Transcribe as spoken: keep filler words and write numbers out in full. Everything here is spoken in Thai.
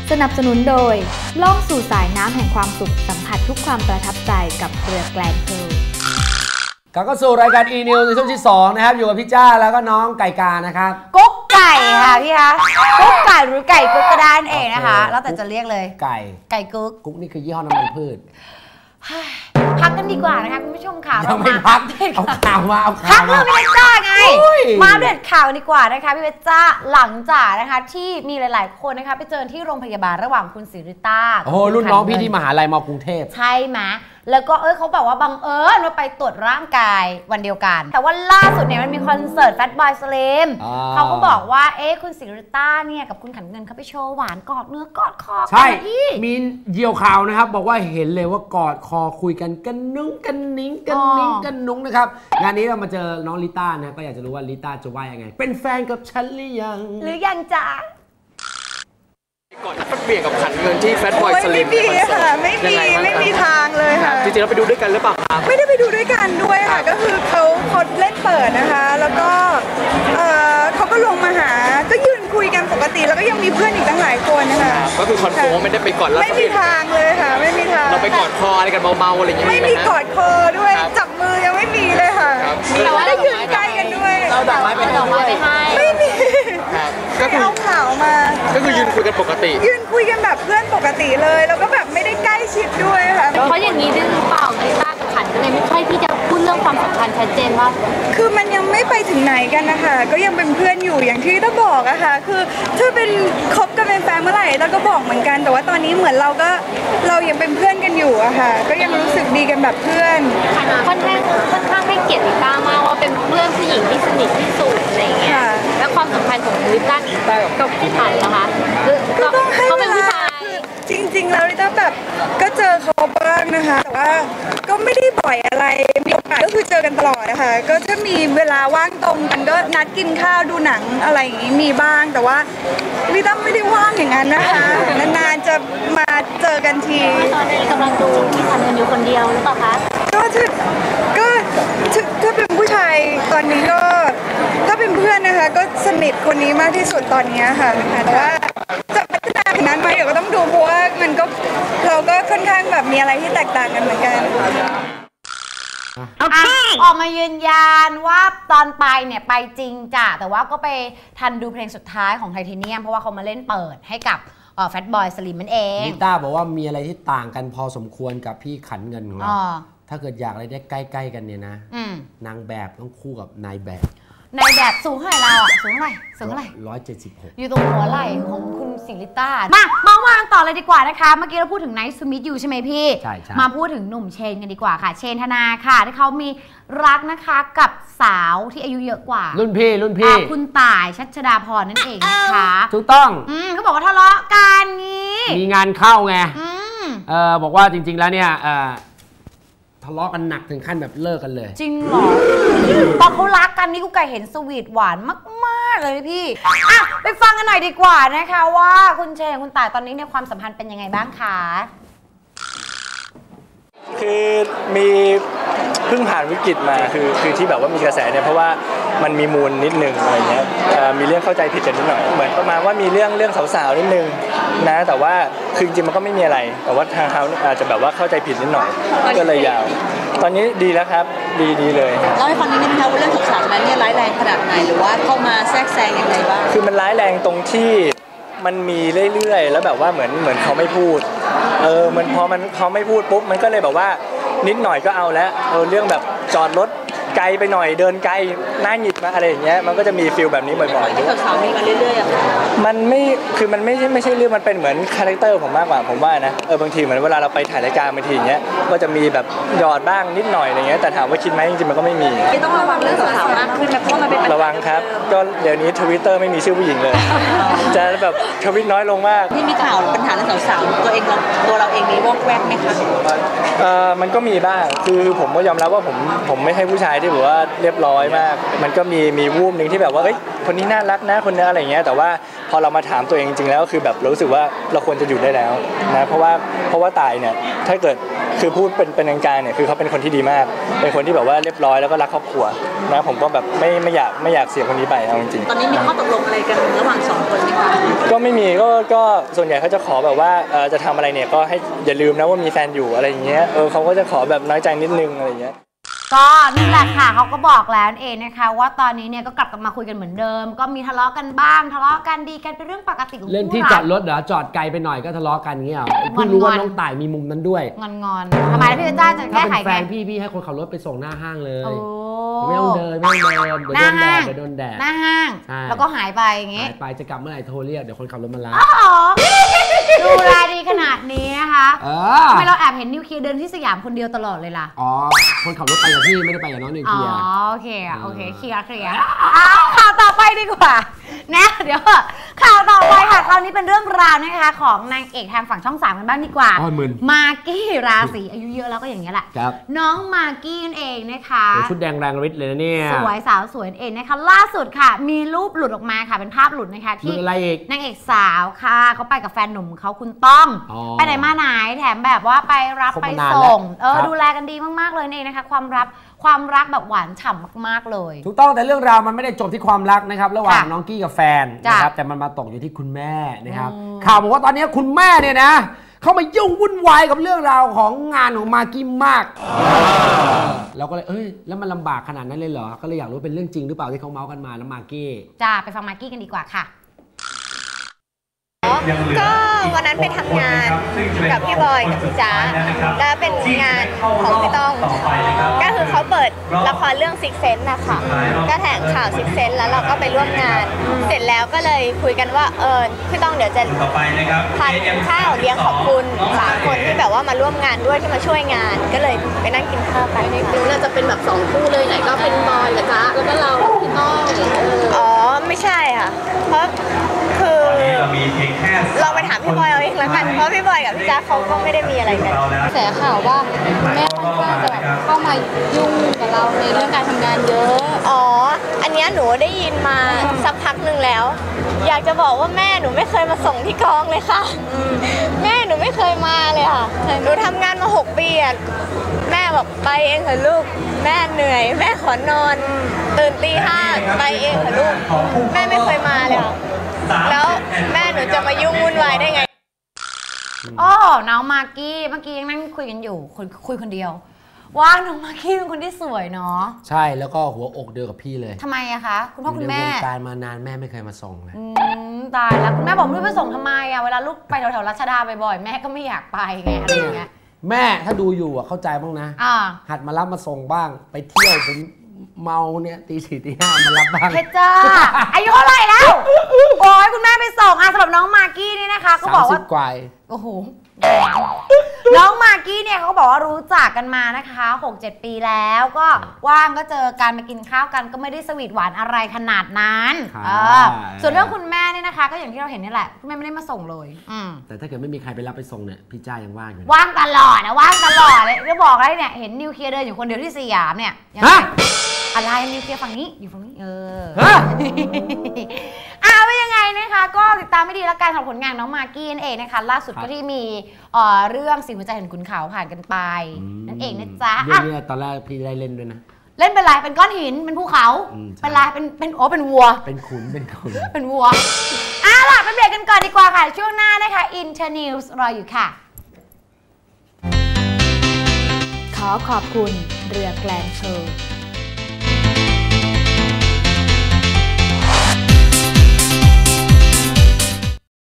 สนับสนุนโดยล่องสู่สายน้ำแห่งความสุขสัมผัสทุกความประทับใจกับเรือแกลนเพลกลับเข้าสู่รายการ e-news ในช่วงที่สองนะครับอยู่กับพี่จ้าแล้วก็น้องไก่กานะครับกุ๊กไก่ค่ะพี่คะกุ๊กไก่หรือไก่กุ๊กก็ได้เองนะคะแล้วแต่จะเรียกเลยไก่ไก่กุ๊กกุ๊กนี่คือยี่ห้อน้ำมันพืชพักกันดีกว่านะคะคุณผู้ชมค่ะยังไม่พักเอาข่าวมาเอาข่าวมาพักเรื่องพี่เวจ้าไงมาเด็ดข่าวดีกว่านะคะพี่เวจ้าหลังจากนะคะที่มีหลายๆคนนะคะไปเจอที่โรงพยาบาลระหว่างคุณศิริต้าโอ้โหรุ่นน้องพี่ที่มหาลัยมกรุงเทพใช่ไหมแล้วก็เอ้ยเขาบอกว่าบังเอิญว่าไปตรวจร่างกายวันเดียวกันแต่ว่าล่าสุดเนี่ยมันมีคอนเสิร์ต Fatboy Slim เขาก็บอกว่าเอ๊ะคุณศิริต้าเนี่ยกับคุณขันเงินเขาไปโชว์หวานกอดเนื้อกอดคอใช่มีเหยี่ยวข่าวนะครับบอกว่าเห็นเลยว่ากอดคอคุยกันกันนุ้งกันนิ้งกันนิ้งกันนุ้งนะครับงานนี้เรามาเจอน้องลิต้านะก็อยากจะรู้ว่าลิต้าจะว่ายังไงเป็นแฟนกับฉันหรือยังหรือยังจ๊ะก่อนเปลี่ยนกับขันเงินที่แฟตบอยสลิมไม่มีค่ะไม่มีไม่มีทางเลยค่ะจริงๆเราไปดูด้วยกันหรือเปล่าครับไม่ได้ไปดูด้วยกันด้วยค่ะก็คือเขาเขาเล่นเปิดนะคะแล้วก็เขาก็ลงมาหาก็ยืนคุยกันปกติแล้วก็ยังมีเพื่อนอีกตั้งหลายคนนะคะก็คือคอนโฟมไม่ได้ไปกอดแล้วไม่มีทางเลยค่ะไม่มีทางเราไปกอดคออะไรกันเบาๆอะไรอย่างเงี้ยไม่มีกอดคอด้วยจับมือยังไม่มีเลยค่ะแต่ว่าได้ยืนใกล้กันด้วยเราดอกไม้ไปดอกไม้ไปให้ไม่มีก็คือเอาข่าวมาก็คือยืนคุยกันปกติยืนคุยกันแบบเพื่อนปกติเลยแล้วก็แบบไม่ได้ใกล้ชิดด้วยค่ะเพราะอย่างนี้ด้วยหรือเปล่าลิต้ากับขันก็เลยไม่ค่อยที่จะพูดเรื่องความสัมพันธ์ชัดเจนว่าคือมันยังไม่ไปถึงไหนกันนะคะก็ยังเป็นเพื่อนอยู่อย่างที่ต้าบอกอะค่ะคือถ้าเป็นคบกันเป็นแฟนเมื่อไหร่ต้าก็บอกเหมือนกันแต่ว่าตอนนี้เหมือนเราก็เรายังเป็นเพื่อนกันอยู่อะค่ะก็ยังรู้สึกดีกันแบบเพื่อนค่อนข้างค่อนข้างให้เกียรติลิต้ามากว่าเป็นเพื่อนผู้หญิงที่สนิทที่สุดอะไรอย่างเงี้ยแล้วความสัมพันธ์ของลิต้ากับพี่ขันนะคะก็ต้องให้เวลาจริงๆแล้วลิต้าแบบก็เจอเขาบ้างนะคะแต่ว่าก็ไม่ได้บ่อยอะไรมีโอกาสก็คือเจอกันตลอดนะคะก็ถ้ามีเวลาว่างตรงกันก็นัดกินข้าวดูหนังอะไรอย่างนี้มีบ้างแต่ว่าลิต้าไม่ได้ว่างอย่างนั้นนะคะนานๆจะมาเจอกันทีตอนนี้กำลังดูพี่ขันอยู่คนเดียวหรือเปล่าคะก็ถ้าก็ถ้าเป็นผู้ชายตอนนี้ก็ถ้าเป็นเพื่อนนะคะก็สนิทคนนี้มากที่สุดตอนนี้ค่ะแต่ว่าจะพัฒนาถึงนั้นไหมเดี๋ยวก็ต้องดูเพราะว่ามันก็เราก็ค่อนข้างแบบมีอะไรที่แตกต่างกันเหมือนกันออกมายืนยันว่าตอนไปเนี่ยไปจริงจ้ะแต่ว่าก็ไปทันดูเพลงสุดท้ายของไทเทเนียมเพราะว่าเขามาเล่นเปิดให้กับแฟตบอยสลิมมันเองลิต้าบอกว่ามีอะไรที่ต่างกันพอสมควรกับพี่ขันเงินของเราถ้าเกิดอยากอะไรได้ใกล้ๆกันเนี่ยนะนางแบบต้องคู่กับนายแบบนายแบบสูงเท่าไหร่เราอ่ะสูงเท่าไหร่สูงเท่าไหร่ร้อยเจ็ดสิบหกอยู่ตรงหัวไหล่ของคุณศิริต้ามาเมาส์กันต่อเลยดีกว่านะคะเมื่อกี้เราพูดถึงไนท์สมิธอยู่ใช่ไหมพี่ใช่ใช่มาพูดถึงหนุ่มเชนกันดีกว่าค่ะเชนธนาค่ะที่เขามีรักนะคะกับสาวที่อายุเยอะกว่ารุ่นพี่รุ่นพี่คุณต่ายชัชดาพรนั่นเองนะคะถูกต้องอืมเขาบอกว่าทะเลาะกันงี้มีงานเข้าไงเออบอกว่าจริงๆแล้วเนี่ยเออทะเลาะกันหนักถึงขั้นแบบเลิกกันเลยจริงเหรอตอนเขารักกันนี่กูไก่เห็นสวีทหวานมากๆเลยพี่อ่ะไปฟังกันหน่อยดีกว่านะคะว่าคุณเชนคุณต่ายตอนนี้เนี่ยความสัมพันธ์เป็นยังไงบ้างคะคือมีเพิ่งผ่านวิกฤตมาคือคือที่แบบว่ามีกระแสเนี่ยเพราะว่ามันมีมูลนิดนึงอะไรเงี้ยมีเรื่องเข้าใจผิดกันนิดหน่อยเหมือนประมาณว่ามีเรื่องเรื่องสาวๆนิดนึงนะแต่ว่าคือจริงๆมันก็ไม่มีอะไรแต่ว่าทางเขาอาจจะแบบว่าเข้าใจผิดนิดหน่อยก็เลยยาวตอนนี้ดีแล้วครับดีดีเลยเล่าให้ฟังนิดนึงนะคะว่าเรื่องสาวๆนั้นเนี่ยร้ายแรงขนาดไหนหรือว่าเข้ามาแทรกแซงยังไงบ้างคือมันร้ายแรงตรงที่มันมีเรื่อยๆแล้วแบบว่าเหมือนเหมือนเขาไม่พูดเออมันพอมันเขาไม่พูดปุ๊บมันก็เลยแบบว่านิดหน่อยก็เอาแล้วเออเรื่องแบบจอดรถไกลไปหน่อยเดินไกลหน้าหงิดมาอะไรอย่างเงี้ยมันก็จะมีฟีลแบบนี้บ่อยๆที่สาวๆมีมาเรื่อยๆอ่ะมันไม่คือมันไม่ใช่ไม่ใช่เรื่องมันเป็นเหมือนคาแรคเตอร์ผมมากกว่าผมว่านะเออบางทีเหมือนเวลาเราไปถ่ายรายการบางทีอย่างเงี้ยก็จะมีแบบหยอดบ้างนิดหน่อยอะไรเงี้ยแต่ถามว่าคิดไหมจริงๆมันก็ไม่มีต้องระวังเรื่องสาวๆมากขึ้นนะเพราะมันเป็นระวังครับก็เดี๋ยวนี้ Twitter ไม่มีชื่อผู้หญิงเลยจะแบบทวิตน้อยลงมากที่มีข่าวปัญหาเรื่องสาวๆตัวเองตัวเราเองมีวอกแวกไหมคะเออมันก็มีบ้างคือผมก็ยอมรับว่าผมผมไม่ใช่ผู้ชายที่ที่แบบว่าเรียบร้อยมากมันก็มีมีวูบหนึ่งที่แบบว่าเอ้ยคนนี้น่ารักนะคนนี้อะไรเงี้ยแต่ว่าพอเรามาถามตัวเองจริงๆแล้วคือแบบเรารู้สึกว่าเราควรจะหยุดได้แล้วนะเพราะว่าเพราะว่าตายเนี่ยถ้าเกิดคือพูดเป็นเป็นกลางๆเนี่ยคือเขาเป็นคนที่ดีมากเป็นคนที่แบบว่าเรียบร้อยแล้วก็รักครอบครัวนะผมก็แบบไม่ไม่อยากไม่อยากเสียคนนี้ไปเอาจริงๆตอนนี้มีข้อตกลงอะไรกันระหว่างสองคนไหมคะก็ไม่มีก็ก็ส่วนใหญ่เขาจะขอแบบว่าเออจะทำอะไรเนี่ยก็ให้อย่าลืมนะว่ามีแฟนอยู่อะไรอย่างเงี้ยเออเขาก็จะขอแบบน้อยใจนิดนึงอะไรอย่างเงี้ยก็นี่แหละค่ะเขาก็บอกแล้วเองนะคะว่าตอนนี้เนี่ยก็กลับกันมาคุยกันเหมือนเดิมก็มีทะเลาะกันบ้างทะเลาะกันดีกันเป็นเรื่องปกติของเรื่องที่จอดรถเหรอจอดไกลไปหน่อยก็ทะเลาะกันเงี้ยเพิ่งรู้ว่าน้องต่ายมีมุมนั้นด้วยงอนงอนทำไมพี่จ้าจะแก้ไขไงถ้าเป็นแฟนพี่พี่ให้คนขับรถไปส่งหน้าห้างเลยไม่ต้องเดินไม่ต้องเดินเดี๋ยวโดนแดดเดี๋ยวโดนแดดหน้าห้างแล้วก็หายไปอย่างงี้หายไปจะกลับเมื่อไหร่โทรเรียกเดี๋ยวคนขับรถมารับดูแลดีขนาดนี้นะคะทำไมเราแอบเห็นนิวเคลียร์เดินที่สยามคนเดียวตลอดเลยล่ะอ๋อคนขับรถไปกับพี่ไม่ได้ไปกับน้องนิวเคลียร์อ๋อโอเคโอเคเคลียร์เคลียร์ข่าวต่อไปดีกว่านะเดี๋ยวข่าวต่อไปค่ะคราวนี้เป็นเรื่องราวนะคะของนางเอกทางฝั่งช่องสามกันบ้างดีกว่ามากกี้ราศีอายุเยอะแล้วก็อย่างนี้แหละน้องมากกี้นั่นเองนะคะชุดแดงแรงฤทธิ์เลยนะเนี่ยสวยสาวสวยเองนะคะล่าสุดค่ะมีรูปหลุดออกมาค่ะเป็นภาพหลุดนะคะที่นางเอกสาวค่ะเขาไปกับแฟนหนุ่มเขาคุณต้อมไปไหนมาไหนแถมแบบว่าไปรับไปส่งเออดูแลกันดีมากๆเลยเองนะคะความรับความรักแบบหวานฉ่ำมากๆเลยถูกต้องแต่เรื่องราวมันไม่ได้จบที่ความรักนะครับระหว่างน้องกี้กับแฟนนะครับแต่มันมาตกอยู่ที่คุณแม่นะครับข่าวบอกว่าตอนนี้คุณแม่เนี่ยนะเขามายุ่งวุ่นวายกับเรื่องราวของงานของมากกี้มากเราก็เลยเอ้ยแล้วมันลำบากขนาดนั้นเลยเหรอก็เลยอยากรู้เป็นเรื่องจริงหรือเปล่าที่เขาเมาส์กันมาแล้วมากกี้จ้าไปฟังมากกี้กันดีกว่าค่ะก็วันนั้นไปทำงานกับพี่บอยกับพี่จ๋าแล้วเป็นงานของพี่ต้องก็คือเขาเปิดละครเรื่องซิกเซนส์นะคะก็แถลงข่าวซิกเซนส์แล้วเราก็ไปร่วมงานเสร็จแล้วก็เลยคุยกันว่าเออพี่ต้องเดี๋ยวจะทานข้าวเลี้ยงขอบคุณสามคนที่แบบว่ามาร่วมงานด้วยที่มาช่วยงานก็เลยไปนั่งกินข้าวกันในคลิปน่าจะเป็นแบบสองคู่เลยไหนก็เป็นบอยกับจ๊ะแล้วก็เราพี่ต้องอ๋อไม่ใช่ค่ะเพราะคือเราไปถามพี่บอยเอาเองแล้วกันเพราะพี่บอยกับพี่จ๊ะเขาก็ไม่ได้มีอะไรกันแสข่าวว่าแม่ค่อนข้างจะแบบเข้ามายุ่งกับเราในเรื่องการทำงานเยอะอ๋ออันนี้หนูได้ยินมาสักพักหนึ่งแล้วอยากจะบอกว่าแม่หนูไม่เคยมาส่งที่กองเลยค่ะแม่หนูไม่เคยมาเลยค่ะหนูทำงานมาหกปีอ่ะแม่บอกไปเองเถอะลูกแม่เหนื่อยแม่ขอนอนตื่นตีห้าไปเองเถอะลูกแม่ไม่เคยมาเลยค่ะแล้วแม่หนูจะมายุ่งวุ่นวายได้ไงโอ้น้องมากกี้เมื่อกี้ยังนั่งคุยกันอยู่คุยคุยคนเดียวว่าน้องมากกี้เป็นคนที่สวยเนาะใช่แล้วก็หัวอกเดียวกับพี่เลยทำไมอะคะคุณพ่อคุณแม่ตายมานานแม่ไม่เคยมาส่งเลยตายแล้วคุณแม่บอกลูกไปส่งทำไมอะเวลาลูกไปแถวๆรัชดาบ่อยๆแม่ก็ไม่อยากไปไงอะไรอย่างเงี้ยแม่ถ้าดูอยู่อะเข้าใจบ้างนะหัดมารับมาส่งบ้างไปเที่ยวผมเมาเนี่ยตีสี่ตีห้ามารับบ้างเพชรจ้าอายุเท่าไหร่แล้วโอ้ยคุณแม่ไปส่งอ่ะสำหรับน้องมากกี้นี่นะคะก็บอกว่ากว่าโอ้โหน้องมากกี้เนี่ยเขาบอกว่ารู้จักกันมานะคะ หกเจ็ด ปีแล้วก็ว่างก็เจอกันมากินข้าวกันก็ไม่ได้สวีทหวานอะไรขนาดนั้นส่วนเรื่องคุณแม่เนี่ยนะคะก็อย่างที่เราเห็นนี่แหละคุณแม่ไม่ได้มาส่งเลยแต่ถ้าเกิดไม่มีใครไปรับไปส่งเนี่ยพี่จ้ายังว่างอยู่ว่างตลอดนะว่างตลอดเลยจะบอกอะไรเนี่ยเห็นนิวเคลียร์เดินอยู่คนเดียวที่สยามเนี่ยอะไรนิวเคลียร์ฝั่งนี้อยู่ฝั่งนี้เออเอาไปยังไงนะคะก็ติดตามไม่ดีแล้วกันสำหรับผลงานน้องมากกี้นั่นเองนะคะล่าสุดก็ที่มีเรื่องสิ่งหัวใจเห็นขุนเขาผ่านกันไปนั่นเองนะจ๊ะเรื่องนี้ตอนแรกพี่ได้เล่นด้วยนะเล่นเป็นอะไรเป็นก้อนหินเป็นภูเขาเป็นอะไรเป็นเป็นโอ้เป็นวัวเป็นขุนเป็นขุนเป็นวัวอ่ะล่ะไปเบรกกันก่อนดีกว่าค่ะช่วงหน้านะคะ Internews รออยู่ค่ะขอขอบคุณเรือแกลนโชว์